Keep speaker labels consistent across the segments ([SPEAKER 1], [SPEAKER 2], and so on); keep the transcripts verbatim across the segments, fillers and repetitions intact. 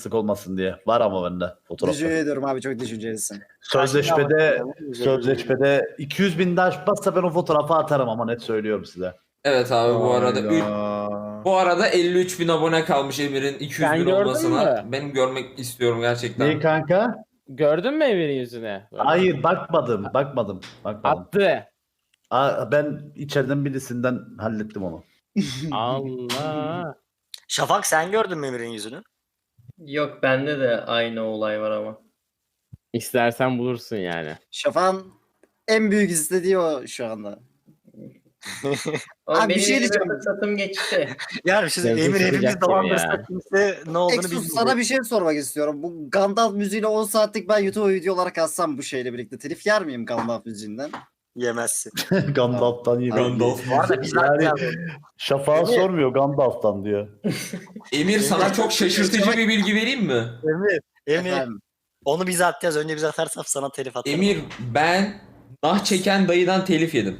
[SPEAKER 1] sık olmasın diye. Var ama bende fotoğrafı.
[SPEAKER 2] Teşekkür ediyorum abi, çok düşüncelisin.
[SPEAKER 1] Sözleşmede sözleşmede iki yüz bin daha aşmazsa ben o fotoğrafı atarım ama net söylüyorum size.
[SPEAKER 3] Evet abi bu arada üç,
[SPEAKER 4] Hayda.
[SPEAKER 3] bu arada elli üç bin abone kalmış Emir'in iki yüz
[SPEAKER 5] Sen
[SPEAKER 3] bin
[SPEAKER 5] gördün
[SPEAKER 3] olmasına.
[SPEAKER 5] mü?
[SPEAKER 3] Benim görmek istiyorum gerçekten.
[SPEAKER 1] Neyi kanka?
[SPEAKER 5] Gördün mü Emir'in yüzüne? Böyle
[SPEAKER 1] Hayır bakmadım. Bakmadım. Bakmadım.
[SPEAKER 5] attı.
[SPEAKER 1] Aa, ben içeriden birisinden hallettim onu.
[SPEAKER 5] Allah.
[SPEAKER 6] Şafak sen gördün mü Emir'in yüzünü?
[SPEAKER 7] Yok bende de aynı olay var ama.
[SPEAKER 5] İstersen bulursun yani.
[SPEAKER 2] Şafak'ın en büyük istediği o şu anda.
[SPEAKER 7] Ama
[SPEAKER 2] Abi bir
[SPEAKER 7] benim
[SPEAKER 2] şey
[SPEAKER 7] elime
[SPEAKER 2] diyeceğim.
[SPEAKER 7] fırsatım geçti.
[SPEAKER 6] Yani şimdi
[SPEAKER 5] Yazık
[SPEAKER 6] Emir
[SPEAKER 5] sıcak
[SPEAKER 6] hepimiz
[SPEAKER 5] gibi
[SPEAKER 6] dolandırsa
[SPEAKER 5] ya.
[SPEAKER 6] kimse ne olduğunu
[SPEAKER 2] Exus
[SPEAKER 6] bilmiyor.
[SPEAKER 2] sana bir şey sormak istiyorum. Bu Gandalf müziğiyle on saatlik ben YouTube video olarak atsam bu şeyle birlikte telif yer miyim Gandalf müziğinden?
[SPEAKER 6] Yemezsin.
[SPEAKER 1] Gandalf'tan yine.
[SPEAKER 3] Gandalf.
[SPEAKER 6] Bu arada biz
[SPEAKER 1] Yani
[SPEAKER 6] yani...
[SPEAKER 1] Şafak'a sormuyor Gandalf'tan diyor.
[SPEAKER 3] Emir sana çok şaşırtıcı bir bilgi vereyim mi?
[SPEAKER 6] Emir, Emir
[SPEAKER 2] Efendim.
[SPEAKER 6] onu bize atacağız. Önce bize atarsam sana telif atarım.
[SPEAKER 3] Emir ben nah çeken dayıdan telif yedim.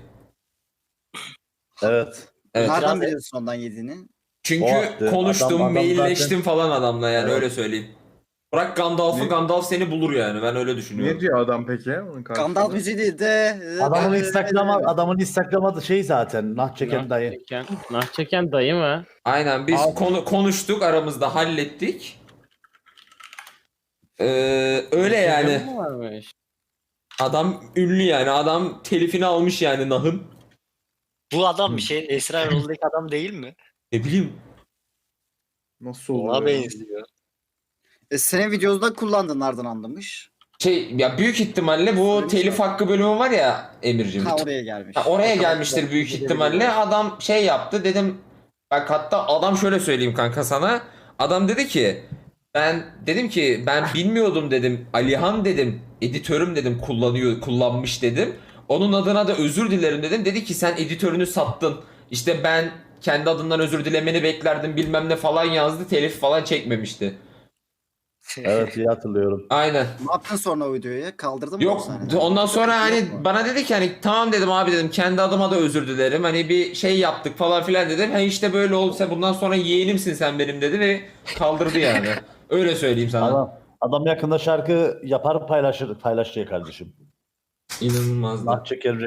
[SPEAKER 1] Evet.
[SPEAKER 3] Evet.
[SPEAKER 2] Nereden
[SPEAKER 6] biraz-
[SPEAKER 2] biliyorsun ondan yediğini?
[SPEAKER 3] Çünkü
[SPEAKER 1] O attı.
[SPEAKER 3] konuştum,
[SPEAKER 1] Adam- adam
[SPEAKER 3] mailleştim
[SPEAKER 1] zaten-
[SPEAKER 3] falan adamla yani
[SPEAKER 1] Evet.
[SPEAKER 3] öyle söyleyeyim. Bırak Gandalf'ı,
[SPEAKER 4] Ne?
[SPEAKER 3] Gandalf seni bulur yani ben öyle düşünüyorum.
[SPEAKER 4] Ne diyor adam peki? Onun karşısında?
[SPEAKER 2] Gandalf müziği değil de...
[SPEAKER 1] Adamın Instagram'a adamın Instagram'a şey zaten nah çeken
[SPEAKER 5] Nah
[SPEAKER 1] dayı.
[SPEAKER 5] çeken, nah çeken dayı mı?
[SPEAKER 3] Aynen biz
[SPEAKER 5] Abi.
[SPEAKER 3] konu konuştuk aramızda hallettik. Ee, öyle yani.
[SPEAKER 5] Instagram mı varmış?
[SPEAKER 3] Adam ünlü yani. Adam telifini almış yani Nah'ın.
[SPEAKER 6] Bu adam bir şey Esra Erol'daki adam değil mi?
[SPEAKER 3] Ne bileyim.
[SPEAKER 4] Nasıl
[SPEAKER 6] Ona
[SPEAKER 4] oluyor? ya?
[SPEAKER 6] benziyor.
[SPEAKER 2] E, senin videoda kullandın nereden anlamış?
[SPEAKER 3] Şey ya büyük ihtimalle bu
[SPEAKER 2] Söylemiş
[SPEAKER 3] telif
[SPEAKER 2] mi?
[SPEAKER 3] hakkı bölümü var ya Emir'cim.
[SPEAKER 2] Ha oraya gelmiş.
[SPEAKER 3] Ha, oraya
[SPEAKER 2] Bakalım.
[SPEAKER 3] gelmiştir büyük ihtimalle. Adam şey yaptı dedim. Bak hatta adam şöyle söyleyeyim kanka sana. Adam dedi ki ben dedim ki ben bilmiyordum dedim. Alihan dedim. Editörüm dedim kullanıyor kullanmış dedim. Onun adına da özür dilerim dedim. Dedi ki sen editörünü sattın. İşte ben kendi adından özür dilemeni beklerdim bilmem ne falan yazdı. Telif falan çekmemişti.
[SPEAKER 1] Evet iyi hatırlıyorum.
[SPEAKER 3] Aynen.
[SPEAKER 2] Ne yaptın sonra o videoyu? Kaldırdın mı?
[SPEAKER 3] Yok
[SPEAKER 2] o sahneleri?
[SPEAKER 3] ondan sonra hani
[SPEAKER 2] Yok mu?
[SPEAKER 3] bana dedi ki hani tamam dedim abi dedim kendi adıma da özür dilerim hani bir şey yaptık falan filan dedim. Ha işte böyle olursa bundan sonra yeğenimsin sen benim dedi ve kaldırdı yani. Öyle söyleyeyim sana.
[SPEAKER 1] Adam, adam yakında şarkı yapar paylaşır paylaşacak kardeşim.
[SPEAKER 3] İnanılmazdı.
[SPEAKER 1] Nah çeker